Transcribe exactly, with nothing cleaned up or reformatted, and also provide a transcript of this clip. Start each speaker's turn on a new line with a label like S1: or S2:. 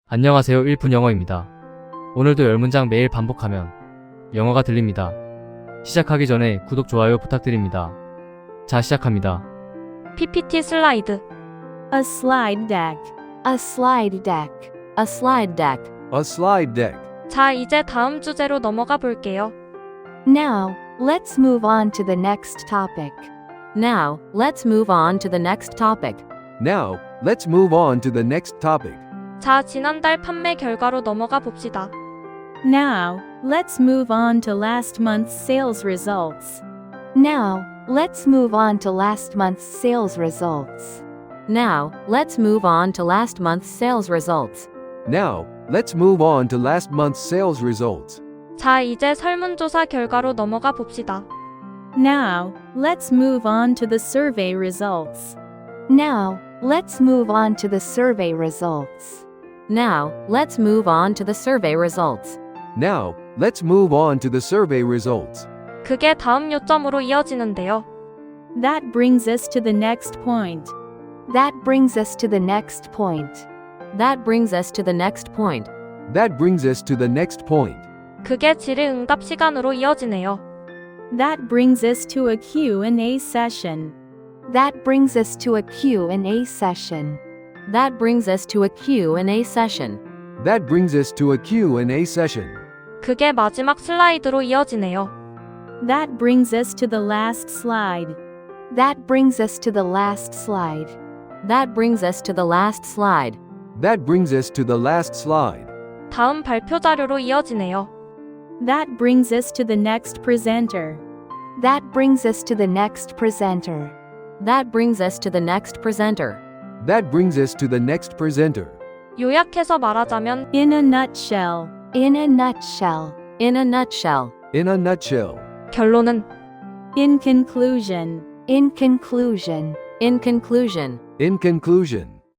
S1: 안녕하세요. 일 분 영어입니다. 오늘도 열 문장 매일 반복하면 영어가 들립니다. 시작하기 전에 구독, 좋아요 부탁드립니다. 자, 시작합니다.
S2: 피피티 슬라이드,
S3: A slide deck.
S4: A slide deck. A slide deck.
S5: A slide deck.
S2: 자, 이제 다음 주제로 넘어가 볼게요.
S4: Now, let's move on to the next topic.
S6: Now, let's move on to the next topic.
S5: Now, let's move on to the next topic.
S2: 자, 지난달 판매 결과로 넘어가 봅시다.
S3: Now, let's move on to last month's sales results.
S4: Now, let's move on to last month's sales results.
S6: Now, let's move on to last month's sales results.
S5: Now, let's move on to last month's sales results.
S2: 자, 이제 설문조사 결과로 넘어가 봅시다.
S3: Now, let's move on to the survey results.
S4: Now, let's move on to the survey results.
S6: Now, let's move on to the survey results.
S5: Now, let's move on to the survey results.
S2: 그게 다음 요점으로 이어지는데요.
S3: That brings us to the next point.
S4: That brings us to the next point.
S6: That brings us to the next point.
S5: That brings us to the next point.
S2: 그게 질의응답 시간으로 이어지네요.
S3: That brings us to a Q and A session.
S4: That brings us to a Q and A session.
S6: That brings us to a Q and A session.
S5: That brings us to a Q and A session.
S2: 그게 마지막 슬라이드로 이어지네요.
S3: That brings us to the last slide.
S4: That brings us to the last slide.
S6: That brings us to the last slide.
S5: That brings us to the last slide.
S2: 다음 발표 자료로 이어지네요.
S3: That brings us to the next presenter.
S4: That brings us to the next presenter.
S6: That brings us to the next presenter.
S5: That brings us to the next presenter.
S2: 요약해서 말하자면
S3: In a nutshell.
S4: In a nutshell.
S6: In a nutshell.
S5: In a nutshell.
S2: 결론은
S3: In conclusion.
S4: In conclusion.
S6: In conclusion.
S5: In conclusion.